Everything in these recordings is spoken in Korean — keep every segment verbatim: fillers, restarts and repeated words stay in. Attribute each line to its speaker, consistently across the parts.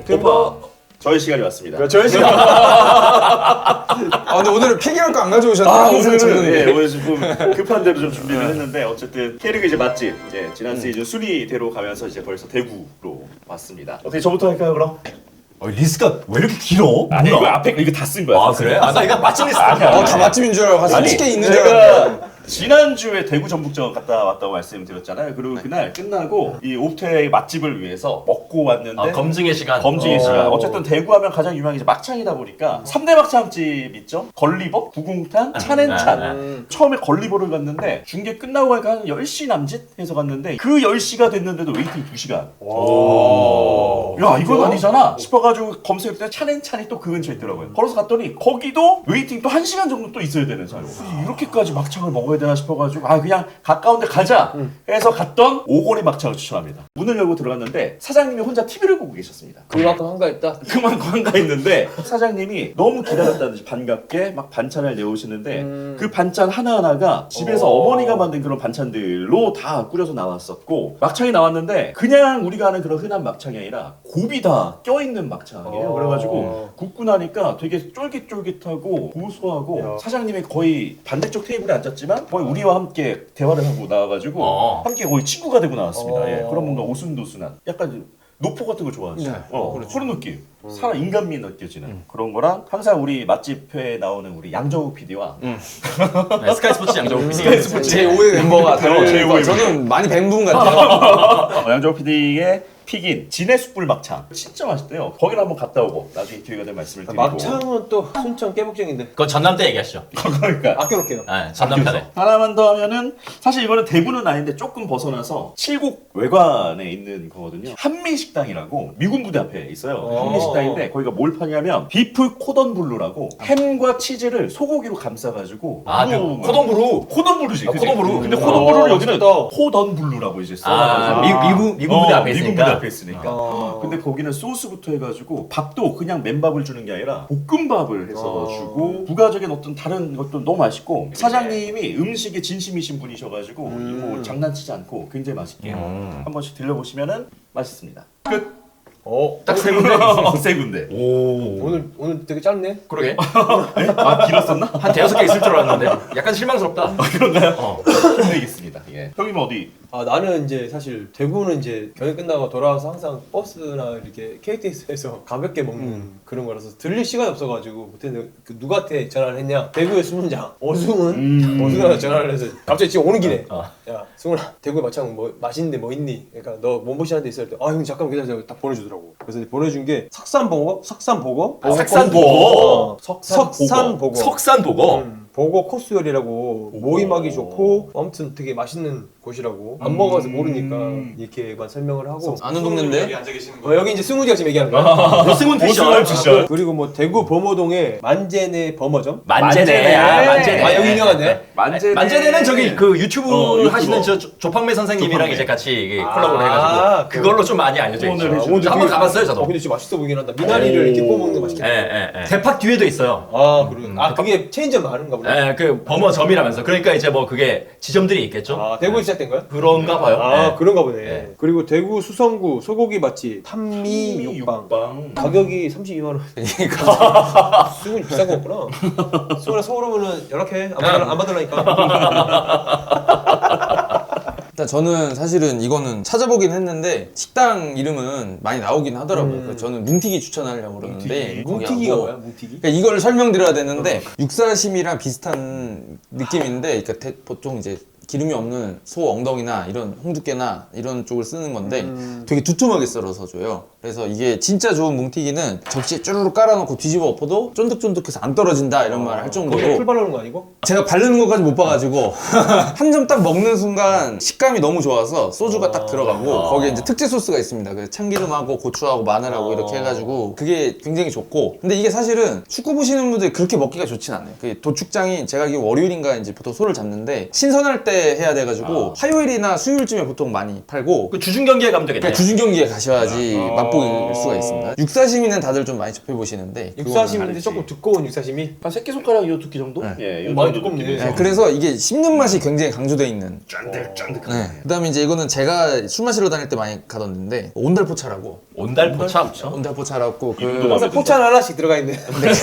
Speaker 1: 오빠 저희 시간이 왔습니다.
Speaker 2: 저희 시간. 아 근데 오늘은 픽이랄 거 안 가져오셨나요?
Speaker 1: 아, 오늘은 예, 오늘 좀 급한 대로 좀 준비를 했는데 어쨌든 K리그 이제 맛집 이제 지난 시즌 순위대로 가면서 이제 벌써 대구로 왔습니다. 어떻게 저부터 할까요 그럼?
Speaker 3: 어, 리스트가 왜 이렇게 길어?
Speaker 1: 아니
Speaker 3: 뭐야?
Speaker 1: 이거 앞에 거 이거 다 쓴 거야.
Speaker 3: 아 그래? 아 나 이거 맛집 리스트
Speaker 1: 아니야.
Speaker 3: 아니야.
Speaker 2: 어, 다 맛집인 줄 알고 가서 솔직히 있는 줄
Speaker 1: 제가
Speaker 2: 알았는데.
Speaker 1: 지난주에 대구 전북전 갔다 왔다고 말씀드렸잖아요. 그리고 그날 끝나고 이 옵테의 맛집을 위해서 먹고 왔는데
Speaker 3: 아, 검증의 시간.
Speaker 1: 검증의
Speaker 3: 어.
Speaker 1: 시간. 어쨌든 대구 하면 가장 유명한 게 이제 막창이다 보니까 삼 대 막창집 있죠? 걸리버, 구궁탕, 찬앤찬.
Speaker 2: 음.
Speaker 1: 처음에 걸리버를 갔는데 중계 끝나고 가니까 한 열 시 남짓 해서 갔는데 그 열 시가 됐는데도 웨이팅 두 시간.
Speaker 3: 오.
Speaker 1: 야 이건 아니잖아 싶어가지고 검색했더니 찬앤찬이 또 그 근처에 있더라고요. 걸어서 갔더니 거기도 웨이팅 또 한 시간 정도 또 있어야 되는 사유. 이렇게까지 막창을 먹어야 되나 싶어가지고 아 그냥 가까운 데 가자 해서 갔던 오거리 막창을 추천합니다. 문을 열고 들어갔는데 사장님이 혼자 티비를 보고 계셨습니다.
Speaker 4: 그만큼 한가했다.
Speaker 1: 그만큼 한가했는데 사장님이 너무 기다렸다든지 반갑게 막 반찬을 내오시는데
Speaker 4: 음.
Speaker 1: 그 반찬 하나하나가 집에서
Speaker 4: 어.
Speaker 1: 어머니가 만든 그런 반찬들로 다 꾸려서 나왔었고 막창이 나왔는데 그냥 우리가 아는 그런 흔한 막창이 아니라 곱이 다 껴있는 막창이에요.
Speaker 4: 어.
Speaker 1: 그래가지고 굽고 나니까 되게 쫄깃쫄깃하고 고소하고
Speaker 4: 야.
Speaker 1: 사장님이 거의 반대쪽 테이블에 앉았지만 거의 우리와 함께 대화를 하고 나와가지고
Speaker 3: 어.
Speaker 1: 함께 거의 친구가 되고 나왔습니다.
Speaker 4: 어.
Speaker 1: 예, 그런 뭔가 오순도순한 약간 노포 같은 거 좋아하시죠?
Speaker 2: 네.
Speaker 1: 어, 그런 느낌. 사람 인간미 느껴지는 그런 거랑 항상 우리 맛집회에 나오는 우리 양정욱 피디와
Speaker 3: 네, 스카이 스포츠 양정욱 피 디.
Speaker 1: 스카이 스포츠
Speaker 2: 제오의 멤버가
Speaker 1: 어, 제오의
Speaker 2: 다르니까 저는 많이 뵌 분 같아요.
Speaker 1: 어, 양정욱 피디의 픽인 진해 숯불 막창 진짜 맛있대요. 거기를 한번 갔다 오고 나중에 기회가 되면 말씀을 드리고
Speaker 4: 막창은 또 순천 깨복쟁인데
Speaker 3: 그건 전남 때 얘기하시죠.
Speaker 1: 그러니까
Speaker 4: 아껴놓게요.
Speaker 3: 네, 전남 편에.
Speaker 1: 하나만 더 하면은 사실 이거는 대구는 아닌데 조금 벗어나서 칠곡 외관에 있는 거거든요. 한미식당이라고 미군 부대 앞에 있어요.
Speaker 4: 어.
Speaker 1: 한미식당인데 거기가 뭘 파냐면 비프 코던블루라고 햄과 치즈를 소고기로 감싸가지고
Speaker 3: 아, 그
Speaker 1: 구워
Speaker 3: 코동부루.
Speaker 1: 코던블루지.
Speaker 3: 아,
Speaker 1: 그치?
Speaker 3: 코던블루.
Speaker 1: 근데
Speaker 3: 어,
Speaker 1: 코던블루를 여기는
Speaker 4: 맛있다.
Speaker 1: 코던블루라고 이제
Speaker 3: 아,
Speaker 1: 써가지고
Speaker 3: 미, 미국 미국 부대
Speaker 1: 어,
Speaker 3: 앞에
Speaker 1: 미군
Speaker 3: 있으니까.
Speaker 1: 부대 앞에 있으니까.
Speaker 4: 어.
Speaker 1: 근데 거기는 소스부터 해가지고 밥도 그냥 맨밥을 주는 게 아니라 볶음밥을 해서
Speaker 4: 어.
Speaker 1: 주고 부가적인 어떤 다른 것도 너무 맛있고 사장님이 음식에 진심이신 분이셔가지고
Speaker 4: 음.
Speaker 1: 뭐 장난치지 않고 굉장히 맛있게
Speaker 3: 음.
Speaker 1: 한 번씩 들려보시면은 맛있습니다. 끝.
Speaker 4: 어,
Speaker 3: 딱 세 군데.
Speaker 1: 세 군데.
Speaker 3: 오.
Speaker 4: 오늘 오늘 되게 짧네.
Speaker 3: 그러게.
Speaker 1: 아 길었었나?
Speaker 3: 한 대여섯 개 있을 줄 알았는데 약간 실망스럽다.
Speaker 1: 그런가요?
Speaker 3: 어.
Speaker 1: 힘내겠습니다. 예. 형님 어디?
Speaker 4: 아 나는 이제 사실 대구는 이제 경기 끝나고 돌아와서 항상 버스나 이렇게 케이티엑스에서 가볍게 먹는 그런 거라서 들릴 시간이 없어가지고 못했는데 그 누구한테 전화를 했냐? 대구의 수문장 어승은
Speaker 1: 음.
Speaker 4: 어승한테 전화를 해서 갑자기 지금 오는 길에
Speaker 3: 어.
Speaker 4: 야 승훈아 대구에 막창 뭐 맛있는데 뭐 있니? 그러니까 너 몸보신한 데 있을 때 아 형 잠깐 기다려 딱 보내주더라고. 그래서 이제 보내준 게 석산보고 석산보고
Speaker 3: 아, 석산보고.
Speaker 1: 석산보고.
Speaker 4: 석산보고
Speaker 3: 석산보고.
Speaker 4: 음, 보고 코스 요리라고 모임하기 좋고 아무튼 되게 맛있는 곳이라고 안 먹어서 모르니까 이렇게만 설명을 하고
Speaker 2: 아는 동네인데?
Speaker 4: 어, 여기 이제 승훈이가 지금 얘기하는 거야.
Speaker 3: 오승훈
Speaker 1: 오승훈
Speaker 3: 피셜.
Speaker 1: 피셜.
Speaker 4: 그리고 뭐 대구 범어동에 만제네 범어점.
Speaker 3: 만제네. 아, 만제네.
Speaker 4: 아 여기 유명한데.
Speaker 1: 만제네.
Speaker 3: 만제네는 저기 그 유튜브
Speaker 1: 어, 유튜버.
Speaker 3: 하시는 저 조- 조팡매 선생님이랑
Speaker 1: 조팡매.
Speaker 3: 이제 같이 이게
Speaker 4: 아,
Speaker 3: 콜라보를 해가지고
Speaker 4: 그-
Speaker 3: 그걸로 좀 많이 알려져 있죠.
Speaker 1: 후원을
Speaker 4: 아,
Speaker 1: 해주는.
Speaker 4: 오늘
Speaker 3: 한번
Speaker 4: 되게-
Speaker 3: 가봤어요 저도.
Speaker 4: 어 근데 진짜 맛있어 보이긴 한다. 미나리를 이렇게 구워 먹는 거 맛있겠다.
Speaker 3: 예, 예, 예. 대팍 뒤에도 있어요.
Speaker 4: 아 그래. 아 그게 체인점 많은가 보네.
Speaker 3: 예, 그 범어점이라면서. 그러니까 이제 뭐 그게 지점들이 있겠죠.
Speaker 4: 아 대구에 시작된 거야?
Speaker 3: 그런가 봐요.
Speaker 4: 아
Speaker 3: 예.
Speaker 4: 그런가 보네.
Speaker 3: 네.
Speaker 4: 그리고 대구 수성구 소고기 맛집 탄미 육방.
Speaker 1: 육방.
Speaker 4: 가격이 삼십이만 원. 그러니까 수근이 비싼 거구나. 수근아 서울 오면은 연락해. 안, 받으라, 안 받으라니까.
Speaker 2: 일단 저는 사실은 이거는 찾아보긴 했는데 식당 이름은 많이 나오긴 하더라고요. 그래서 저는 뭉티기 추천하려고 그러는데
Speaker 4: 뭉티기가
Speaker 2: 거기하고-
Speaker 4: 뭐야? 뭉티기?
Speaker 2: 그러니까 이걸 설명드려야 되는데 육사심이랑 비슷한 느낌인데 그러니까 대- 보통 이제 기름이 없는 소 엉덩이나 이런 홍두깨나 이런 쪽을 쓰는 건데
Speaker 4: 음.
Speaker 2: 되게 두툼하게 썰어서 줘요. 그래서 이게 진짜 좋은 뭉티기는 접시에 쭈르륵 깔아놓고 뒤집어 엎어도 쫀득쫀득해서 안 떨어진다 이런 말을 할
Speaker 4: 거기에
Speaker 2: 정도로
Speaker 4: 풀 바르는 거 아니고?
Speaker 2: 제가 바르는 것까지 못 봐가지고 한 점 딱 먹는 순간 식감이 너무 좋아서 소주가 딱 들어가고
Speaker 3: 아.
Speaker 2: 거기에 이제 특제 소스가 있습니다. 그래서 참기름하고 고추하고 마늘하고
Speaker 4: 아.
Speaker 2: 이렇게 해가지고 그게 굉장히 좋고 근데 이게 사실은 축구 보시는 분들이 그렇게 먹기가 좋진 않아요. 그 도축장이 제가 알기로 월요일인가 이제 보통 소를 잡는데 신선할 때 주말에 해야 돼가지고 화요일이나 수요일쯤에 보통 많이 팔고
Speaker 3: 그 주중 경기에 가면 되겠네.
Speaker 2: 그러니까 주중 경기에 가셔야지 맛볼 수가 있습니다. 육사시미는 다들 좀 많이 접해보시는데
Speaker 4: 육사심인데
Speaker 1: 다르지.
Speaker 4: 조금 두꺼운 육사심이.
Speaker 1: 한 새끼손가락 요 두께 정도?
Speaker 2: 네.
Speaker 1: 예, 요
Speaker 4: 많이
Speaker 1: 정도
Speaker 4: 두껍네.
Speaker 1: 느낌에서.
Speaker 2: 네, 그래서 이게 씹는 맛이 굉장히 강조되어 있는
Speaker 1: 쫀득쫀득한.
Speaker 2: 네. 그다음에 이제 이거는 제가 술 마시러 다닐 때 많이 가던 데인데 온달포차라고
Speaker 3: 온달포차.
Speaker 2: 온달포차라고
Speaker 1: 이름도
Speaker 2: 그
Speaker 1: 막-
Speaker 4: 항상 포찬 하나씩 들어가 있네.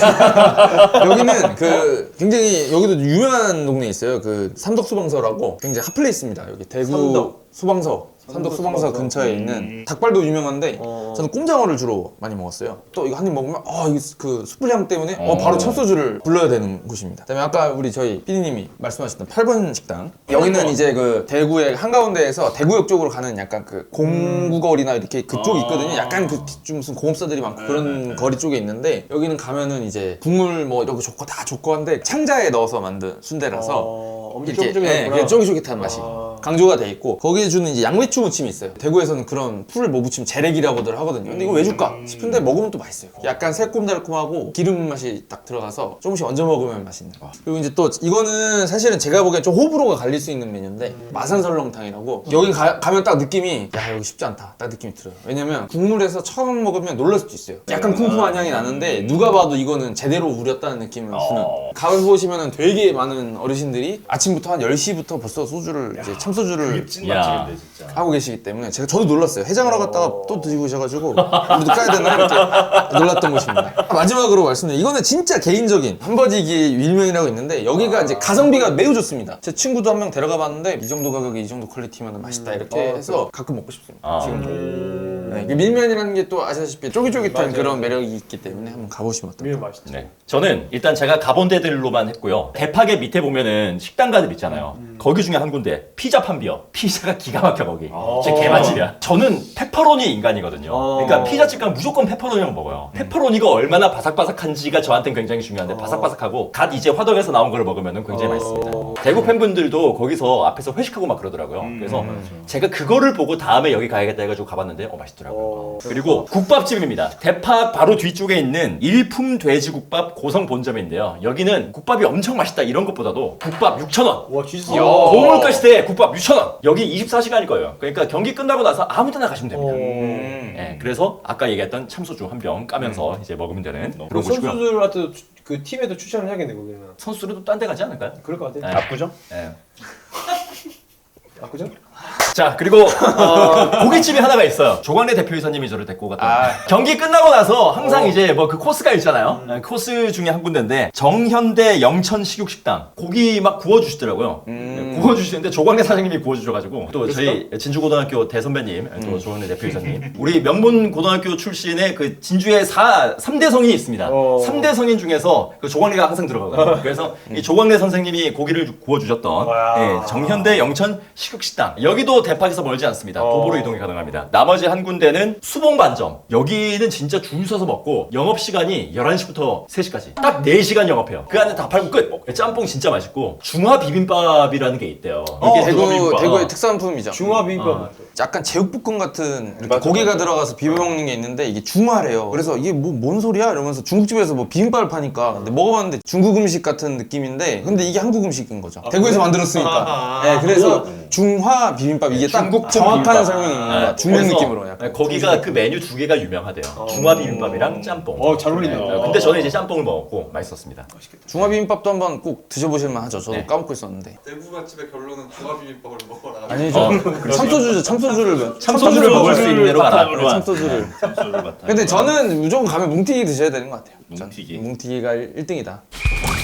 Speaker 2: 여기는 그 굉장히 여기도 유명한 동네에 있어요. 그 삼덕 소방서라고 굉장히 핫플레이스입니다. 여기 대구
Speaker 4: 삼덕.
Speaker 2: 소방서 삼덕 소방서
Speaker 4: 소방서.
Speaker 2: 근처에 있는 닭발도 유명한데
Speaker 4: 어.
Speaker 2: 저는 꼼장어를 주로 많이 먹었어요. 또 이거 한 입 먹으면 아 이게 그 숯불향 때문에 어, 바로 참소주를 불러야 되는 곳입니다. 그다음에 아까 우리 저희 피디님이 말씀하셨던 팔 번 식당 여기는 이제 그 대구의 한가운데에서 대구역 쪽으로 가는 약간 그 공구거리나 이렇게 그쪽이 있거든요. 약간 그 좀 무슨 공업사들이 많고 그런 거리 쪽에 있는데 여기는 가면은 이제 국물 뭐 이렇게 좋고 다 좋고 한데 창자에 넣어서 만든 순대라서
Speaker 4: 어, 엄청
Speaker 2: 이렇게 예,
Speaker 4: 쫄깃쫄깃하구나.
Speaker 2: 그냥 쫄깃쫄깃한 맛이
Speaker 4: 아.
Speaker 2: 강조가 돼 있고 거기에 주는 이제 양배추 무침이 있어요. 대구에서는 그런 풀을 뭐 무침 재래기라고들 하거든요. 근데 이거 왜 줄까 싶은데 먹으면 또 맛있어요. 약간 새콤달콤하고 기름 맛이 딱 들어가서 조금씩 얹어 먹으면 맛있는. 그리고 이제 또 이거는 사실은 제가 보기엔 좀 호불호가 갈릴 수 있는 메뉴인데 마산설렁탕이라고 여기 가, 가면 딱 느낌이 야 여기 쉽지 않다 딱 느낌이 들어요. 왜냐면 국물에서 처음 먹으면 놀랄 수도 있어요. 약간 쿰쿰한 향이 나는데 누가 봐도 이거는 제대로 우렸다는 느낌을 주는. 가을 보시면은 되게 많은 어르신들이 아침부터 한 열 시부터 벌써 소주를 이제 참소주를
Speaker 1: 찐
Speaker 3: 야.
Speaker 1: 맛집인데 진짜.
Speaker 2: 하고 계시기 때문에 제가 저도 놀랐어요. 해장하러 갔다가 또 드시고 오셔가지고 우리도 까야 되나 이렇게 놀랐던 곳입니다. 마지막으로 말씀드린 이거는 진짜 개인적인 한버지기 일면이라고 있는데 여기가 이제 가성비가 매우 좋습니다. 제 친구도 한 명 데려가 봤는데 이 정도 가격에 이 정도 퀄리티면 맛있다 이렇게 해서 가끔 먹고 싶습니다.
Speaker 3: 아.
Speaker 2: 지금도.
Speaker 4: 음.
Speaker 2: 네, 이게 밀면이라는 게 또 아시다시피 쫄깃쫄깃한
Speaker 4: 맞아요.
Speaker 2: 그런 매력이 있기 때문에 한번 가보시면 어떨까요?
Speaker 4: 밀면 맛있죠.
Speaker 3: 네. 저는 일단 제가 가본 데들로만 했고요. 대파게 밑에 보면은 식당가들 있잖아요. 거기 중에 한 군데 피자 판비어. 피자가 기가 막혀 거기. 진짜 개맛집이야. 저는 페퍼로니 인간이거든요.
Speaker 4: 어.
Speaker 3: 그러니까 피자집 가면 무조건 페퍼로니를 먹어요. 페퍼로니가 얼마나 바삭바삭한지가 저한테는 굉장히 중요한데 바삭바삭하고 갓 이제 화덕에서 나온 거를 먹으면은 굉장히 맛있습니다. 대구 팬분들도 거기서 앞에서 회식하고 막 그러더라고요. 그래서 제가 그거를 보고 다음에 여기 가야겠다 해가지고 가봤는데 어 맛있더라고요.
Speaker 4: 어.
Speaker 3: 그리고 국밥집입니다. 대파 바로 뒤쪽에 있는 일품 돼지국밥 고성 본점인데요. 여기는 국밥이 엄청 맛있다 이런 것보다도 국밥 육천 원.
Speaker 4: 와 진짜.
Speaker 3: 고물가시대 국밥 육천 원. 여기 이십사 시간일 거예요. 그러니까 경기 끝나고 나서 아무 데나 가시면 됩니다.
Speaker 4: 어.
Speaker 3: 예, 그래서 아까 얘기했던 참소주 한 병 까면서 이제 먹으면 되는
Speaker 4: 그럼
Speaker 3: 그런 곳이고요.
Speaker 4: 선수들한테도 추- 그 팀에도 추천을 해야겠네 거기는.
Speaker 3: 선수들도 딴 데 가지 않을까요?
Speaker 4: 그럴 것 같아.
Speaker 3: 네.
Speaker 1: 압구정?
Speaker 3: 예.
Speaker 4: 압구정?
Speaker 3: 자 그리고 어, 고깃집이 하나가 있어요. 조광래 대표이사님이 저를 데리고 갔던 경기 끝나고 나서 항상 이제 뭐 그 코스가 있잖아요. 네, 코스 중에 한 군데인데 정현대 영천 식육식당 고기 막 구워주시더라고요. 네, 구워주시는데 조광래 사장님이 구워주셔가지고 또 저희 진주고등학교 대선배님 또 조광래 대표이사님 우리 명문 고등학교 출신의 그 진주에 사, 삼 대 성인이 있습니다.
Speaker 4: 어.
Speaker 3: 삼 대 성인 중에서 그 조광래가 항상 들어가거든요. 그래서 이 조광래 선생님이 고기를 구워주셨던
Speaker 4: 와.
Speaker 3: 예, 정현대 영천 식육식당 여기도 대팍에서 멀지 않습니다. 도보로 이동이 가능합니다. 나머지 한 군데는 수봉반점 여기는 진짜 줄 서서 먹고 영업시간이 열한 시부터 세 시까지 딱 네 시간 영업해요. 그 안에 다 팔고 끝. 짬뽕 진짜 맛있고 중화 비빔밥이라는 게 있대요. 이게
Speaker 2: 대구,
Speaker 3: 비빔밥.
Speaker 2: 대구의 특산품이죠.
Speaker 4: 중화 비빔밥.
Speaker 2: 약간 제육볶음 같은 이렇게
Speaker 1: 맞아,
Speaker 2: 고기가
Speaker 1: 맞아.
Speaker 2: 들어가서 비벼 먹는 게 있는데 이게 중화래요. 그래서 이게 뭐 뭔 소리야? 이러면서 중국집에서 뭐 비빔밥을 파니까 근데 먹어봤는데 중국 음식 같은 느낌인데 근데 이게 한국 음식인 거죠. 대구에서 만들었으니까.
Speaker 4: 아,
Speaker 2: 네, 그래서 중화 비빔밥 이게 딱
Speaker 3: 중국풍
Speaker 2: 정확한
Speaker 3: 비빔밥.
Speaker 2: 설명입니다.
Speaker 3: 네,
Speaker 2: 중국
Speaker 3: 그래서,
Speaker 2: 느낌으로 약간.
Speaker 3: 네, 거기가 그 메뉴 두 개가 유명하대요. 중화 비빔밥이랑 짬뽕.
Speaker 4: 어, 잘 어울린다.
Speaker 3: 네, 근데 저는 이제 짬뽕을 먹었고 맛있었습니다.
Speaker 2: 중화 비빔밥도 한번 꼭 드셔보실 만하죠. 저도
Speaker 3: 네.
Speaker 2: 까먹고 있었는데.
Speaker 5: 대구 맛집의 결론은 중화 비빔밥을 먹어라.
Speaker 2: 아니죠.
Speaker 3: 어,
Speaker 2: 참소주죠. 참소주를
Speaker 3: 참소주를 먹을 수 있는 데로 가라.
Speaker 1: 바탕으로 한
Speaker 2: 참소주를.
Speaker 1: 참소를 바탕.
Speaker 2: 근데 저는 무조건 가면 뭉티기 드셔야 되는 것 같아요.
Speaker 1: 뭉티기.
Speaker 2: 뭉티기가 일 등이다.